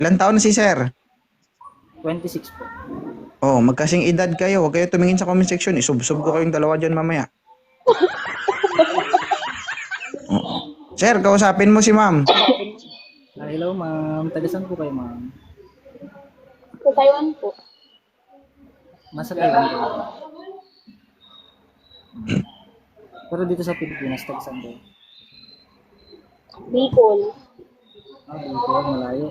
Ilan taon na si sir? 26 po. Oh, magkasing edad kayo. Huwag kayo tumingin sa comment section. Isubsob ko kayong dalawa dyan mamaya. Oo. Sir, kausapin mo si ma'am. Hello, ma'am. Tagasan po kayo, ma'am. Sa Taiwan po. Nasa Taiwan po. Pero dito sa Pilipinas, tagasan po. Bicol. Dito, malayo.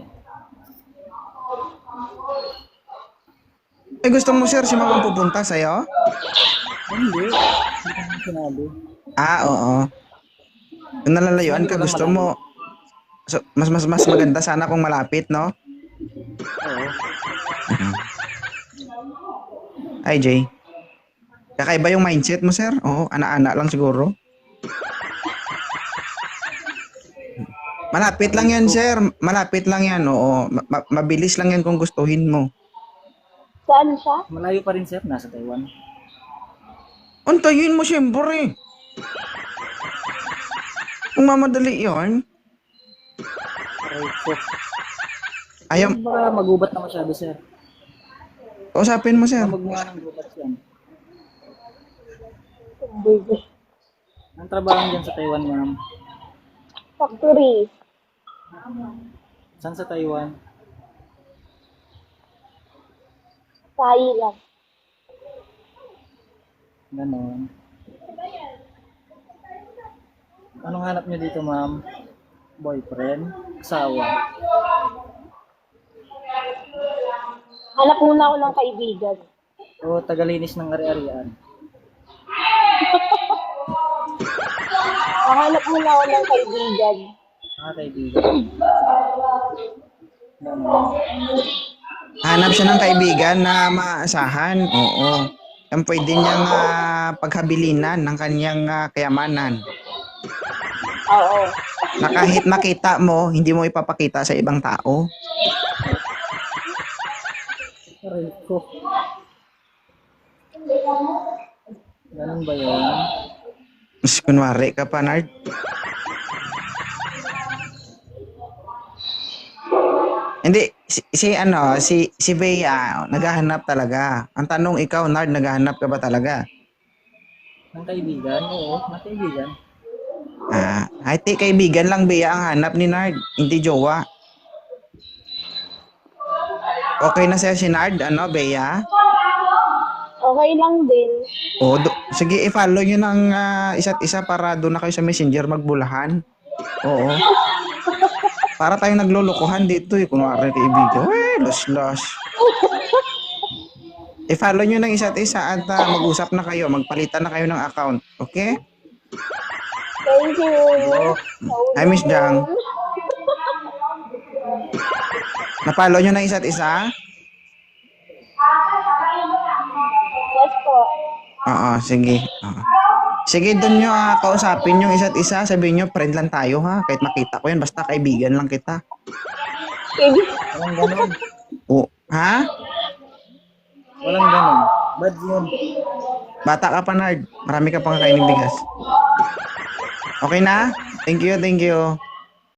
Eh, gusto mo sir si ma'am ang pupunta sa'yo? Hindi. Hindi ko naman sinabi. Oo. Kung nalalayuan ka, gusto mo. So, mas maganda sana kung malapit, no? Oo. Ay, Jay. Kakaiba yung mindset mo, sir? Oo, ana-ana lang siguro. Malapit lang yan, sir. Malapit lang yan, oo. Mabilis lang yan kung gustuhin mo. Saan siya? Malayo pa rin, sir. Nasa Taiwan. Antayin mo, siyempre. Kung mamadali yan. Aray ko. Ayaw, Baka magubat na masyado, sir. kausapin mo, sir. Magmukha ng gubat yan. Baby. Ang trabaho dyan sa Taiwan, ma'am. Factory. Saan sa Taiwan? Thailand. Ganon. Anong hanap niyo dito, ma'am? Boyfriend? Asawa? Hanap muna ako ng kaibigan. O tagalinis ng ari-arian? Hanap muna ako ng kaibigan. Kaibigan. Ganon. Hanap siya ng kaibigan na maasahan. Oo. Yan pwede niyang paghabilinan ng kanyang kayamanan. Oo. Na kahit makita mo, hindi mo ipapakita sa ibang tao. Aray ko. Ganon ba yun? Mas kunwari ka pa, Nard. Hindi, si Bea, naghahanap talaga. Ang tanong ikaw, Nard, naghahanap ka ba talaga? Ng kaibigan? Oo, ng kaibigan. Ay, kaibigan lang, Bea, ang hanap ni Nard. Hindi jowa. Okay na sa'yo si Nard, Bea? Okay lang din. Sige, i-follow nyo ng isa't isa para doon na kayo sa messenger magbulahan. Oo. Para tayong naglulukuhan dito kunwari kaibigan. Los. I-follow nyo ng isa't isa at mag-usap na kayo, magpalitan na kayo ng account. Okay? Thank you. Hi, Miss Jang. Na-follow nyo ng isa't isa? Yes po. Oo, sige. Sige, doon nyo kausapin yung isa't isa. Sabihin nyo, friend lang tayo ha. Kahit makita ko yan, basta kaibigan lang kita. Walang ganon. Ha? Walang ganon. Bad yun. Bata ka pa, Nard. Marami ka pang kakainin bigas. Okay na? Thank you.